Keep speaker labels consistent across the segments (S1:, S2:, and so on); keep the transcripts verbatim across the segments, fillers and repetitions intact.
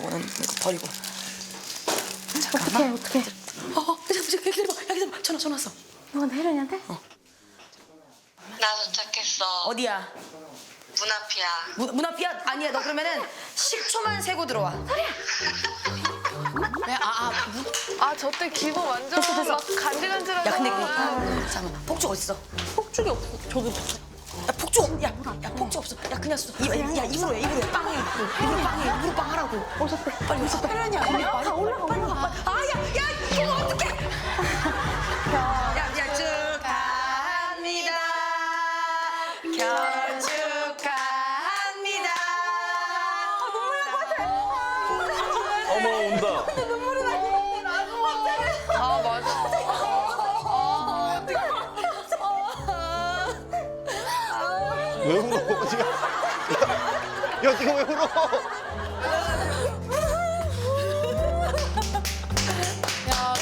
S1: 이거는 이거 버리고.
S2: 어떡해, 어떡해.
S1: 어, 어, 기다려봐, 기다려봐, 야, 기다려봐. 전화, 전화 왔어.
S2: 이건 혜련이한테?
S1: 어.
S3: 나 도착했어.
S1: 어디야?
S3: 문 앞이야.
S1: 문, 문 앞이야? 아니야, 너 그러면은 십 초만 세고 들어와.
S4: 왜? 아, 아, 아, 저 때 기분 완전 막 간질간질하잖아.
S1: 야, 근데 그, 잠깐만, 폭죽 어딨어?
S2: 폭죽이 없어. 저도
S1: 야, 폭죽, 없- 야, 야, 폭죽 없어. 야, 그냥 써. 이, 야, 입으로 해, 입으로 해. 빵 해. 입으로 빵 해, 입으로 빵 하라고.
S2: 오셨대.
S1: 빨리 오셨대. 혜련이 아니야? 빨리 올라가, 빨리 가. 아, 야, 야, 이거 어떡해. 야, 야, 축하합니다. 결혼 축하합니다.
S5: 어머 온다.
S4: 아, 맞아.
S5: 왜 울어? 어디가? 야, 야, 네가 왜 울어?
S4: 야,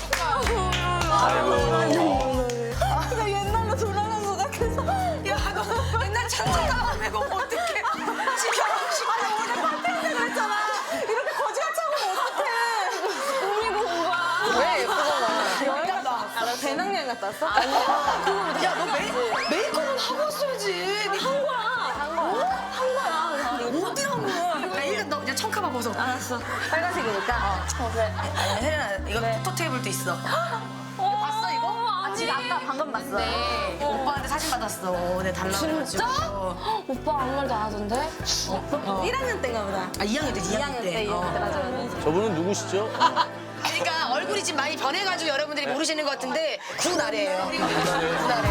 S5: 아이고.
S1: 나 옛날로 돌아간 것 같아서. 야, 너 맨날 찬찬하고 내가 어떡해. 지금 결혼식. 아니, 오늘 파티한테 그랬잖아. 이렇게 거지같이 하면 어떡해.
S2: 꾸미고 온 거야.
S4: 왜 예쁘잖아.
S1: 여행 갔다 왔어.
S2: 배낭여행 갔다 왔어?
S4: 아니야.
S1: 야, 너 메이, 메이크업은 하고 왔어야지. 한 거야.
S2: 한 거야. 한 거야.
S1: 어디라고. 야, 일단 너 그냥 청카만 벗어.
S2: 알았어. 빨간색이니까. 어, 그래.
S1: 아니, 혜련아, 이거 포토 테이블도 있어.
S2: 봤어, 이거? 아, 지금 아까 방금 봤어.
S4: 네.
S1: 오빠한테 사진 받았어. 내 달라고.
S4: 진짜?
S1: 해가지고.
S4: 오빠 아무 말도 안 하던데?
S1: 어.
S2: 일 학년 때인가 보다.
S1: 아, 이 학년 때, 이
S2: 이
S1: 학년
S2: 학년
S1: 때.
S2: 때, 이 학년 때.
S1: 어.
S2: 맞아, 맞아.
S5: 저분은 누구시죠?
S1: 그러니까 얼굴이 지금 많이 변해가지고 여러분들이 모르시는 것 같은데 구나래예요. 구나래.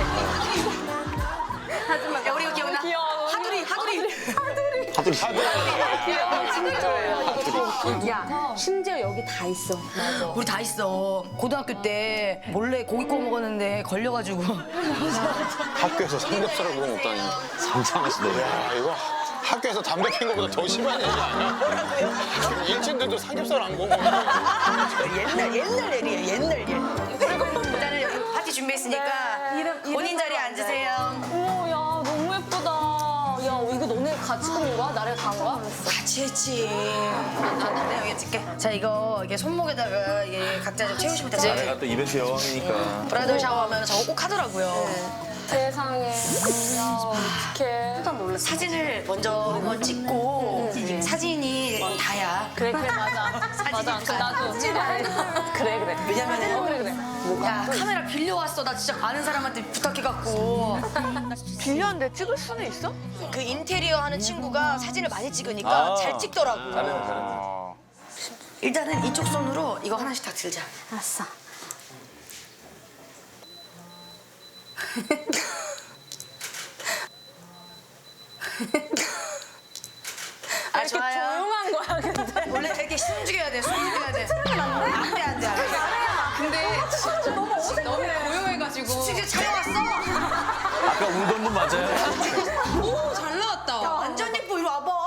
S2: 하지만
S1: 야, 우리 이거 기억나?
S2: 귀여워.
S1: 하두리, 하두리.
S5: 하들 하들.
S2: 야, 심지어 여기 다 있어.
S1: 우리 다 있어. 고등학교 때 몰래 고기 구워 먹었는데 걸려가지고.
S5: 학교에서 삼겹살을 구워 먹다니. 상상하시네. 야, 이거 학교에서 담배 핀 것보다 더 심한 얘기 아니야? 일진들도 삼겹살 안 구워 먹는
S1: 옛날 옛날 일이에요. 옛날 일. 그리고 일단은 여기 파티 준비했으니까
S2: 이름-
S1: 본인
S2: 이름
S1: 자리에
S2: 써도 안 돼.
S1: 앉으세요.
S2: 어머, 야, 너무 예쁘다. 야, 이거 너네 같이 꾸민 거야? 나를 간 거야?
S1: 같이 했지. 내가 여기 찍게. 자, 이거 이게 손목에다가 이게 각자 좀 채우시면 되지.
S5: 내가 또 이벤트 여왕이니까.
S1: 브라이덜 샤워하면 저거 꼭 하더라고요.
S2: 세상에. 야, 어떡해. 깜짝 놀랐어.
S1: 사진을 먼저 찍고 사진이 다야.
S2: 그래, 그래, 맞아. 맞아. 그 나도. 그래, 그래.
S1: 왜냐면은
S2: 어, 그래, 그래.
S1: 야, 카메라 빌려왔어. 나 진짜 아는 사람한테 부탁해갖고.
S4: 빌렸는데 찍을 수는 있어?
S1: 그 인테리어 하는 친구가 사진을 많이 찍으니까
S5: 아.
S1: 잘 찍더라고.
S5: 잘했네, 잘했네.
S1: 일단은 이쪽 손으로 이거 하나씩 다 들자.
S2: 알았어.
S1: 아,
S2: 이렇게
S1: 좋아요.
S2: 조용한 거야, 근데.
S1: 원래 이렇게 숨죽여야 돼, 숨죽여야 돼. 안 돼, 안 돼, 안 돼.
S4: 근데 진짜 너무 어색해. 너무 고요해가지고.
S1: 지금 촬영왔어?
S5: 아까 울던 분 맞아요?
S4: 오, 잘 나왔다.
S1: 완전 예뻐, 이리 와봐.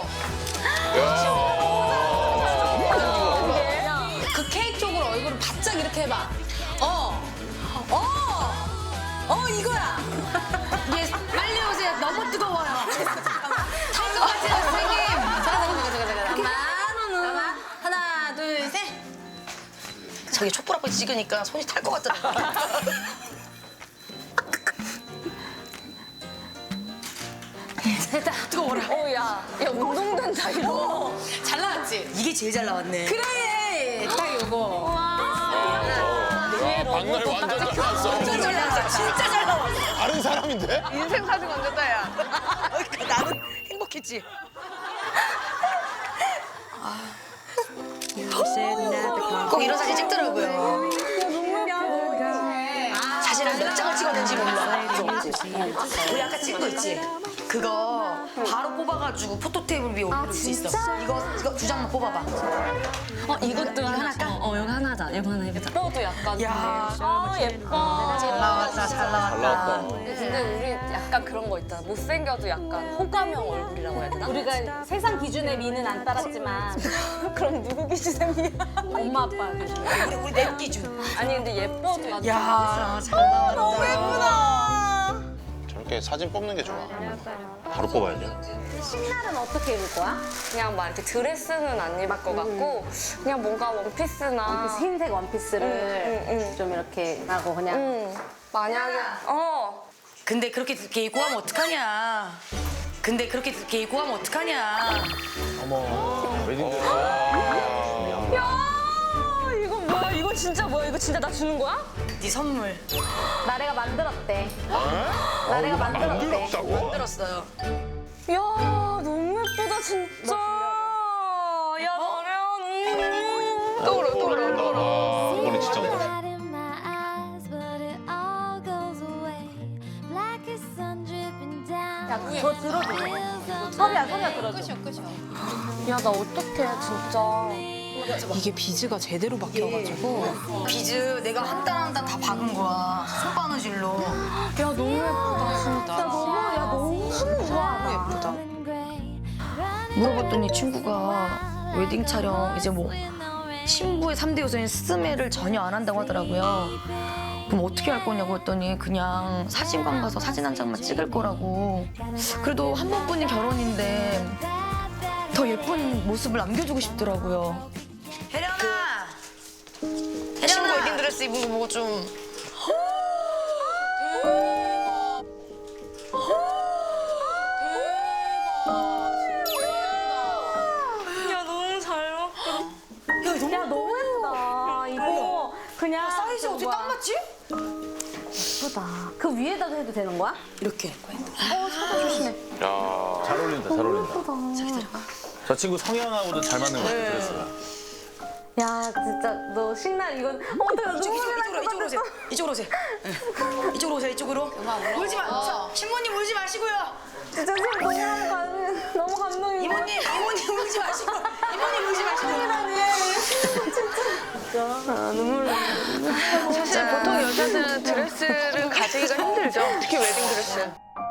S4: 그 케이크 쪽으로 얼굴을 바짝 이렇게 해봐. 어. 어. 어, 이거야.
S1: 이제 빨리 오세요. 너무 뜨거워요.
S4: 탈것 같아요, 선생님. 잠깐, 잠깐, 잠깐, 잠깐. 잠깐만.
S1: 하나, 둘, 셋. 저기 촛불 앞에 찍으니까 손이 탈 것 같더라고.
S2: 됐다.
S1: 뜨거워라.
S2: 어, 야. 야, 운동된다, 이거.
S4: 잘 나왔지?
S1: 이게 제일 잘 나왔네.
S4: 그래. 딱 요거.
S5: 박날 완전 잘 나왔어.
S1: 진짜 잘 나왔어. 진짜 잘 나왔어.
S5: 다른 사람인데?
S4: 인생 사진 건졌다, 야.
S1: 나는 행복했지. 꼭 이런 사진 찍더라고요. 사실은 몇 장을 찍었는지 몰라. 우리 아까 찍은 거 있지? 그거 바로 뽑아가지고 포토 테이블 위에 올릴 수 있어. 이거 이거 두 장만 뽑아봐.
S6: 어 이것도 하나 할까? 어, 어 이거 하나 하자. 이거 하나 해보자.
S2: 뼈도 약간.
S1: 야,
S2: 아, 예뻐.
S1: 잘 나왔다, 잘 나왔다.
S5: 잘 나왔다.
S2: 근데 우리 약간 그런 거 있잖아. 못생겨도 약간 호감형 얼굴이라고 해야 되나? 우리가 세상 기준의 미는 안 따랐지만 그럼 누구 기준의 미야? 엄마 아빠 기준.
S1: 우리 우리 내 기준.
S2: 아니 근데 예뻐도 야,
S1: 야, 잘 나왔다. 너무 예쁘다.
S5: 저렇게 사진 뽑는 게 좋아. 바로 뽑아야죠.
S2: 신날은 어떻게 입을 거야?
S6: 그냥 막 이렇게 드레스는 안 입을 것 같고 그냥 뭔가 원피스나
S2: 그 흰색 원피스를
S6: 응, 응, 응.
S2: 좀 이렇게 하고 그냥
S6: 응. 만약에 어
S4: 근데 그렇게 늦게 입고 하면 어떡하냐. 근데 그렇게 늦게 입고 하면 어떡하냐.
S5: 웨딩드레스.
S6: 야, 이거 뭐야? 이거 진짜 뭐야? 이거 진짜 나 주는 거야?
S4: 네 선물
S2: 나래가 만들었대. 나래가 만들었대.
S5: 만들었다고?
S4: 만들었어요.
S6: 야, 너무 예쁘다 진짜. 야, 나래야. 음. 또 그래, 또 그래, 또 그래.
S5: 이거는 진짜 뭐.
S2: 야, 저 들어줘. 서리야, 서리야 들어줘.
S6: 야, 나 어떡해 진짜.
S1: 이게 비즈가 제대로 박혀가지고.
S4: 비즈 내가 한 단 한 단 다 박은 거야. 손바느질로.
S6: 야, 너무 예쁘다 진짜.
S2: 너무, 야, 너무 좋아.
S1: 예쁘다.
S7: 물어봤더니 친구가 웨딩 촬영 이제 뭐 신부의 삼 대 요소인 스매를 전혀 안 한다고 하더라고요. 그럼 어떻게 할 거냐고 했더니 그냥 사진관 가서 사진 한 장만 찍을 거라고. 그래도 한 번뿐인 결혼인데 더 예쁜 모습을 남겨주고 싶더라고요.
S4: 혜련아.
S7: 친구 웨딩 드레스 입은 거 보고 좀
S6: 야, 너무 잘 먹고.
S2: 야, 너무 예쁘다. 이거 그냥.
S4: 사이즈 어떻게 딱 맞지?
S2: 예쁘다. 그 위에다도 해도 되는 거야?
S4: 이렇게.
S5: 야.
S8: 잘 어울린다, 잘 어울린다. 저 친구 성향하고도 잘 맞는 것 같아, 드레스가.
S2: 야, 진짜 너 신날 이건 어떡해.
S4: 이쪽,
S2: 눈물이
S4: 이쪽,
S2: 날
S4: 이쪽으로,
S2: 것
S4: 이쪽으로 오세요. 이쪽으로 오세요. 응. 이쪽으로 오세요, 이쪽으로. 울지 마. 자, 신부님 울지 마시고요.
S2: 진짜 지금 너무 감, 너무 감동이.
S4: 이모님, 이모님 울지 마시고. 이모님 울지 마시고.
S6: 사실 보통 여자들은 드레스를 가지기가 힘들죠. 특히 웨딩 드레스.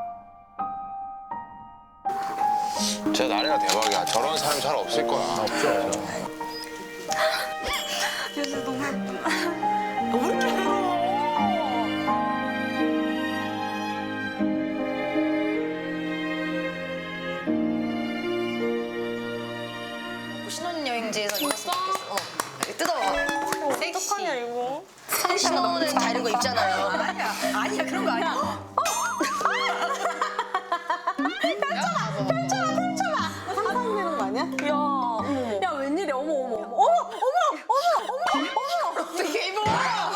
S5: 진짜 나래가 대박이야. 저런 사람 잘 없을 거야.
S8: 없죠.
S7: 신혼여행지에서 입었으면 좋겠어. 어. 이렇게 뜯어봐.
S6: 어떡하냐 이거.
S7: 신혼은 다 이런 거 입잖아요.
S4: 아니야, 아니야, 그런 거 아니야.